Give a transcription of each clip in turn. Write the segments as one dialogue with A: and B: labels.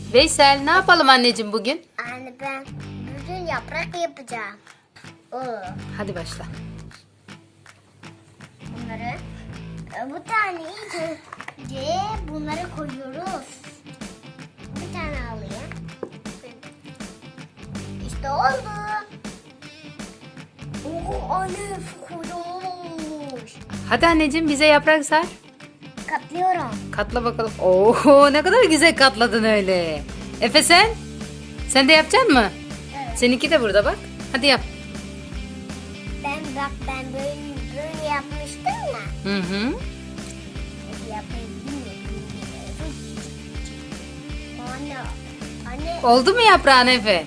A: Veysel, ne yapalım anneciğim bugün?
B: Anne ben bugün yaprak yapacağım.
A: Hadi başla.
B: Bunları bu tane önce bunları koyuyoruz. Bir tane alayım. İşte oldu. Anne kocaman olmuş.
A: Hadi anneciğim bize yaprak sar.
B: Katlıyorum.
A: Katla bakalım. Oo, ne kadar güzel katladın öyle. Efe sen? Sen de yapacaksın mı?
B: Evet.
A: Seninki de burada bak. Hadi yap.
B: Ben böyle yapmıştım ya.
A: Hı hı.
B: Yapayım bilmiyorum. Anne.
A: Oldu mu yaprağın Efe?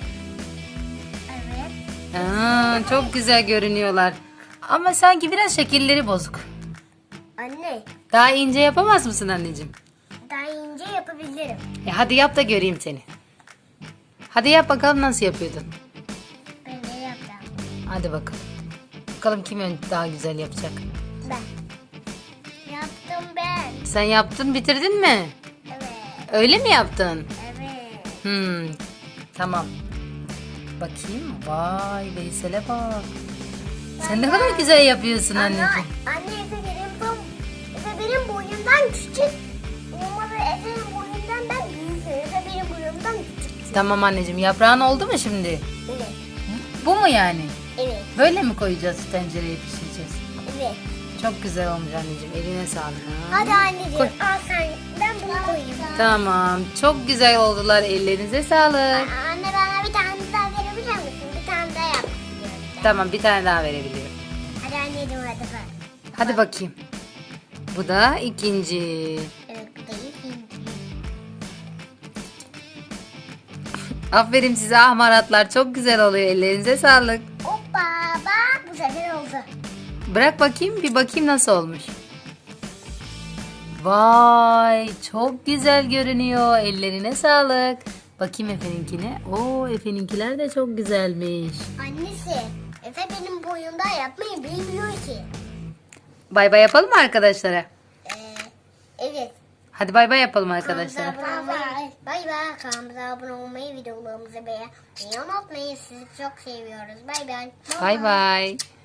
B: Evet.
A: Aa, çok güzel görünüyorlar. Ama sanki biraz şekilleri bozuk.
B: Anne.
A: Daha ince yapamaz mısın anneciğim?
B: Daha ince yapabilirim.
A: Hadi yap da göreyim seni. Hadi yap bakalım nasıl yapıyordun.
B: Ben de yapacağım.
A: Hadi bakalım. Bakalım kim daha güzel yapacak.
B: Ben. Yaptım ben.
A: Sen yaptın, bitirdin mi?
B: Evet.
A: Öyle mi yaptın?
B: Evet.
A: Tamam. Bakayım. Vay Veysel'e bak. Sen ne kadar güzel yapıyorsun anneciğim.
B: Anne Efe benim boyumdan küçük. Umarım Efe'nin boyundan ben büyük. Efe benim boyumdan küçük.
A: Tamam anneciğim. Yaprağın oldu mu şimdi?
B: Evet.
A: Bu mu yani?
B: Evet.
A: Böyle mi koyacağız tencereye pişireceğiz?
B: Evet.
A: Çok güzel olmuş anneciğim. Eline sağlık. Ha.
B: Hadi anneciğim
A: Koy.
B: al sen. Ben bunu koyayım.
A: Tamam. Çok güzel oldular. Ellerinize sağlık.
B: Anne bana bir tane daha verebilir misin? Bir tane daha yap.
A: Tamam, bir tane daha verebilirim.
B: Hadi anneciğim hadi bak.
A: Hadi bakayım. Bu da ikinci.
B: Evet bu da ikinci.
A: Aferin size ahmaratlar. Çok güzel oluyor. Ellerinize sağlık.
B: Hoppa bak bu sefer oldu.
A: Bırak bakayım. Bir bakayım nasıl olmuş. Vay. Çok güzel görünüyor. Ellerine sağlık. Bakayım Efe'ninkine. Oo, Efe'ninkiler de çok güzelmiş.
B: Annesi Efe benim boyumda yapmayı bilmiyor ki.
A: Bay bay yapalım mı arkadaşlara?
B: Evet.
A: Hadi bay bay yapalım arkadaşlara.
B: Bay bay. Kanalımıza abone olmayı, videolarımızı beğenmeyi unutmayın. Sizi çok seviyoruz. Bay bay.
A: Bay bay.